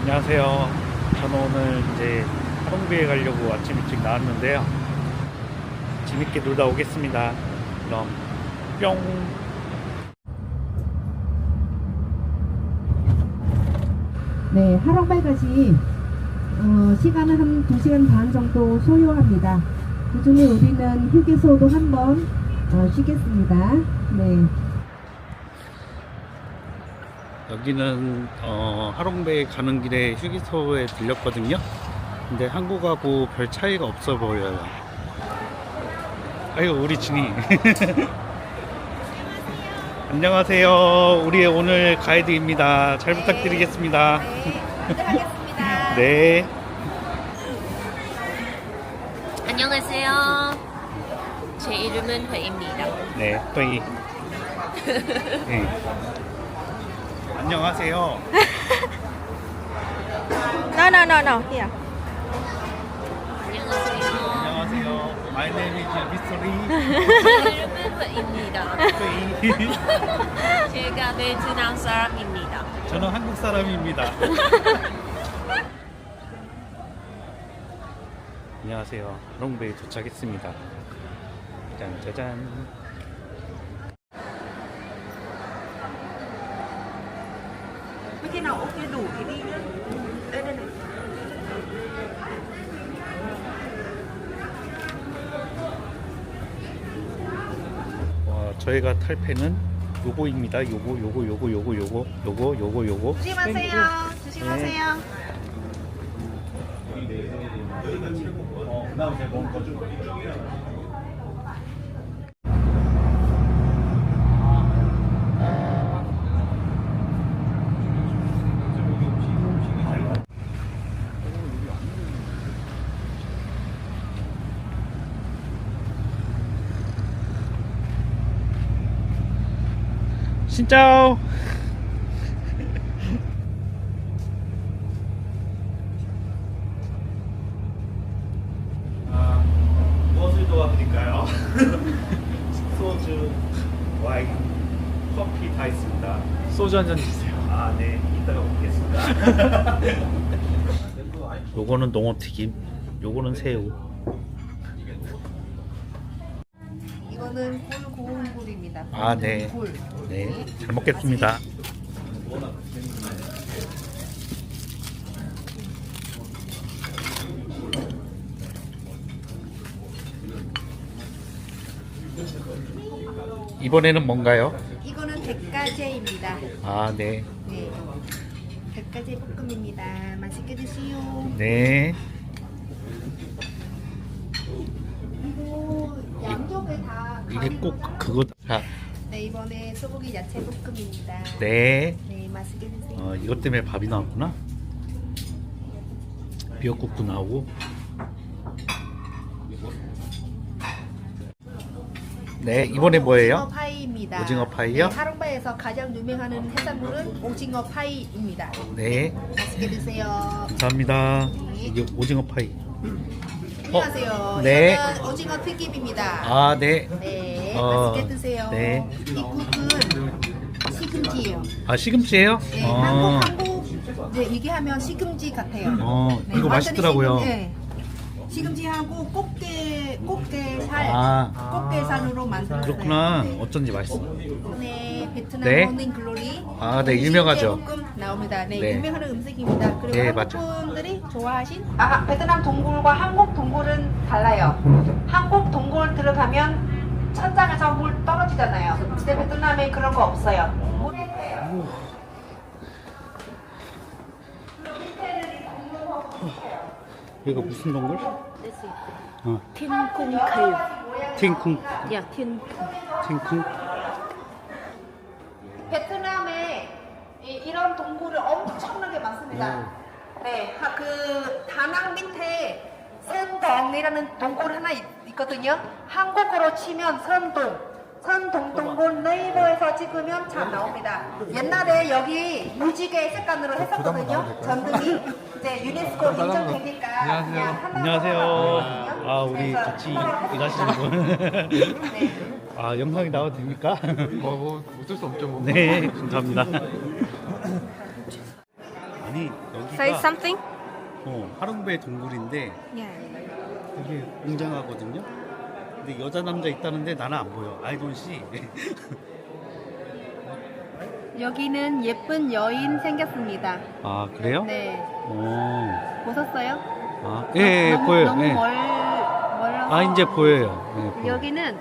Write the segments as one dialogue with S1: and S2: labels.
S1: 안녕하세요. 저는 오늘 이제 하동비에 가려고 아침 일찍 나왔는데요. 재밌게 놀다 오겠습니다. 그럼 뿅.
S2: 네, 하롱발까지 시간은 한 2시간 반 정도 소요합니다. 그 중에 우리는 휴게소도 한번 쉬겠습니다. 네.
S1: 여기는 하롱베이 가는 길에 휴게소에 들렸거든요. 근데 한국하고 별 차이가 없어 보여요. 아이고 우리 진이. 안녕하세요. 우리의 오늘 가이드입니다. 잘 부탁드리겠습니다.
S3: 네, 하겠습니다.
S1: 네.
S3: 안녕하세요. 제 이름은 회입니다.
S1: 네, 또이. 네. 안녕하세요.
S3: No. Here. 안녕하세요.
S1: 안녕하세요. My name is Mystery.
S3: 제 이름은 회입니다.
S1: 또이.
S3: 제가 베트남 사람입니다.
S1: 저는 한국 사람입니다. 안녕하세요. 하롱베이 도착했습니다. 짠짜잔.
S2: Cái nào ok đủ thì đi nhá. Đây.
S1: 저희가 탈 패는 요거입니다. 요거.
S3: 조심하세요. 조심하세요.
S1: 신짜오. 무엇을 도와드릴까요? 소주, 와인, 커피 다 있습니다. 소주 한 잔 주세요. 아, 네. 이따가 먹겠습니다. 요거는 농어튀김, 요거는 새우.
S2: 이거는 굴 고운 굴입니다.
S1: 아, 네.
S2: 굴.
S1: 네, 잘 먹겠습니다. 이번에는 뭔가요?
S2: 이거는 백가재입니다.
S1: 아, 네.
S2: 네. 백가재 볶음입니다. 맛있게 드시오.
S1: 네.
S2: 이거 양쪽에 다
S1: 이게 꼭 그거다.
S2: 네, 이번에 소고기 야채 볶음입니다.
S1: 네.
S2: 네, 맛있게 드세요.
S1: 이것 때문에 밥이 나왔구나. 미역국도 나오고. 네, 이번에 뭐예요?
S2: 오징어 파이입니다.
S1: 오징어 파이요?
S2: 네, 하롱바에서 가장 유명한 해산물은 오징어 파이입니다.
S1: 네,
S2: 맛있게 드세요.
S1: 감사합니다. 이게 오징어 파이.
S2: 안녕하세요.
S1: 네.
S2: 이거는 오징어 튀김입니다.
S1: 아, 네.
S2: 네,
S1: 어,
S2: 맛있게 드세요.
S1: 네.
S2: 이 국은 시금치예요.
S1: 아, 시금치예요?
S2: 네,
S1: 어,
S2: 한국 네, 이게 하면 시금치 같아요.
S1: 이거
S2: 완전히
S1: 맛있더라고요.
S2: 네. 시금치하고 꽃게살,
S1: 아.
S2: 꽃게살으로 만들었어요.
S1: 그렇구나.
S2: 네.
S1: 어쩐지 맛있어.
S2: 네, 베트남
S1: 네.
S2: 모닝 글로리.
S1: 아, 네, 유명하죠.
S2: 볶음 나옵니다. 네,
S1: 네.
S2: 유명한 음식입니다. 그리고
S1: 네,
S2: 한국
S1: 맞죠.
S2: 분들이 좋아하신 베트남 동굴과 한국 동굴은 달라요. 한국 동굴 들어가면 천장에서 물 떨어지잖아요. 근데 베트남에 그런 거 없어요.
S1: 이거 무슨 동굴?
S3: 틴콩 카유.
S1: 팅쿵.
S3: 야, 틴콩.
S1: 팅쿵.
S2: 베트남에 이런 동굴이 엄청나게 많습니다. 네, 그 다낭 밑에 선동이라는 동굴 하나 있거든요. 한국어로 치면 선동. 선동동굴 네이버에서 찍으면 잘 나옵니다. 옛날에 여기 무지개 색깔으로 했었거든요. 전등이 이제 유네스코 인정되니까 그냥 하나
S1: 안녕하세요.
S2: 하거든요.
S1: 아, 우리
S2: 그래서
S1: 같이 일하시는 분.
S2: 네.
S1: 아, 영상이 나와도 됩니까?
S4: 뭐 어쩔 수 없죠 뭐.
S1: 네, 감사합니다. 아니
S3: Say
S1: 여기가
S3: something?
S1: 하롱베 동굴인데
S3: Yeah.
S1: 여기 웅장하거든요. 근데 여자 남자 있다는데 나는 안 보여. I don't see.
S4: 여기는 예쁜 여인 생겼습니다.
S1: 아 그래요?
S4: 네.
S1: 오.
S4: 보셨어요?
S1: 아, 예,
S4: 너무,
S1: 보여요.
S4: 너무
S1: 예.
S4: 멀어서.
S1: 아 이제 보여요. 예, 보여요.
S4: 여기는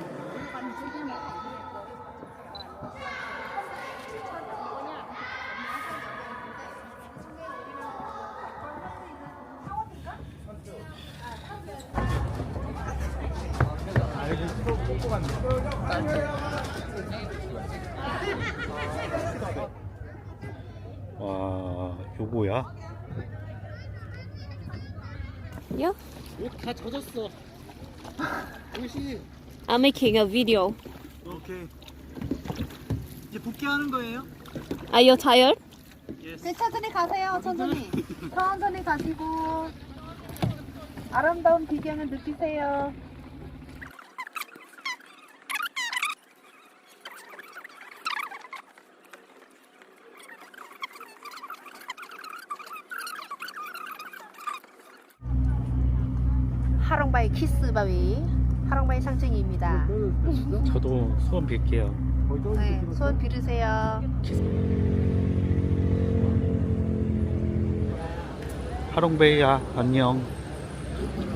S1: 와, 요거야?
S3: Yeah.
S1: 옷 다 젖었어. 옷이.
S3: I'm making a video.
S1: 오케이. 이제 복귀하는 거예요?
S3: Are you tired?
S4: 네, 천천히 가세요. 천천히. 천천히 가시고 아름다운 비경을 느끼세요. 하롱바이 키스바위 하롱바이 상징입니다.
S1: 저도 소원 빌게요.
S4: 네, 소원 빌으세요.
S1: 하롱베이야 안녕.